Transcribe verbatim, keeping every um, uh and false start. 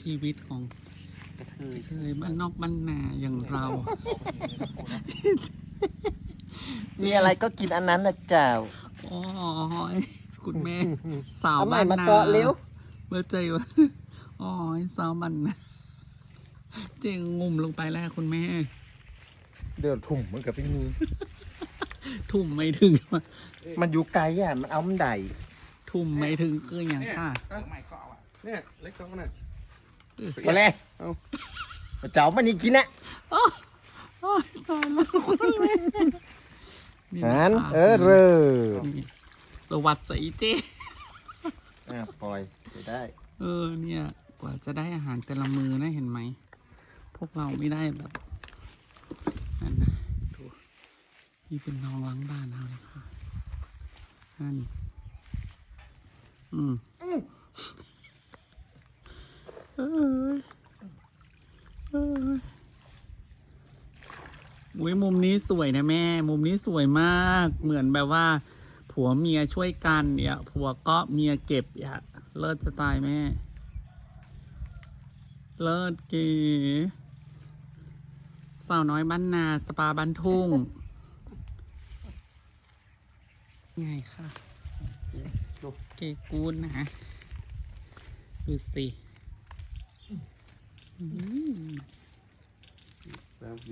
ชีวิตของกระเทยเคยบ้านนอกบ้านนาอย่างเรามีอะไรก็กินอันนั้นนะเจ้าโอ้ยคุณแม่ สาวเอาใหม่บ้านมานาเกาะเร็วเมื่อใจว่าโอ้ยสาวบ้านนาเจงงุ่มลงไปแล้วคุณแม่เดี๋ยวถุ่มมันกับพี่มีทุ่มไม่ถึงมันอยู่ไกลอ่ะ มันเอามันใดทุ่มไม่ถึงคืออย่างค่ะไม่ก็เอาอ่ะเนี่ยเล็กก็น่ะไปเลยเอาเจ้ามันนี่กินนะโอ้ยตายแล้วคุณแม่นี่หันนะคะเออเรอนี่ประวัติศาสตร์อีเจอ่ะปล่อยไปได้เออเนี่ย กว่าจะได้อาหารแต่ละมือนะเห็นไหม พวกเราไม่ได้แบบนั่นนะดูนี่เป็นน้องล้างบ้านเราเลยค่ะนั่นอืมเอ้ยเอ้ยอุ้ยมุมนี้สวยนะแม่ มุมนี้สวยมาก เหมือนแบบว่า ผัวเมียช่วยกันเนี่ยผัวก็เมียเก็บอย่าเลิศจะตายแม่ เลิศเก๋สาวน้อยบ้านนาสปาบ้านทุ่ง ไงค่ะเก๋กูดนะดูสิอืม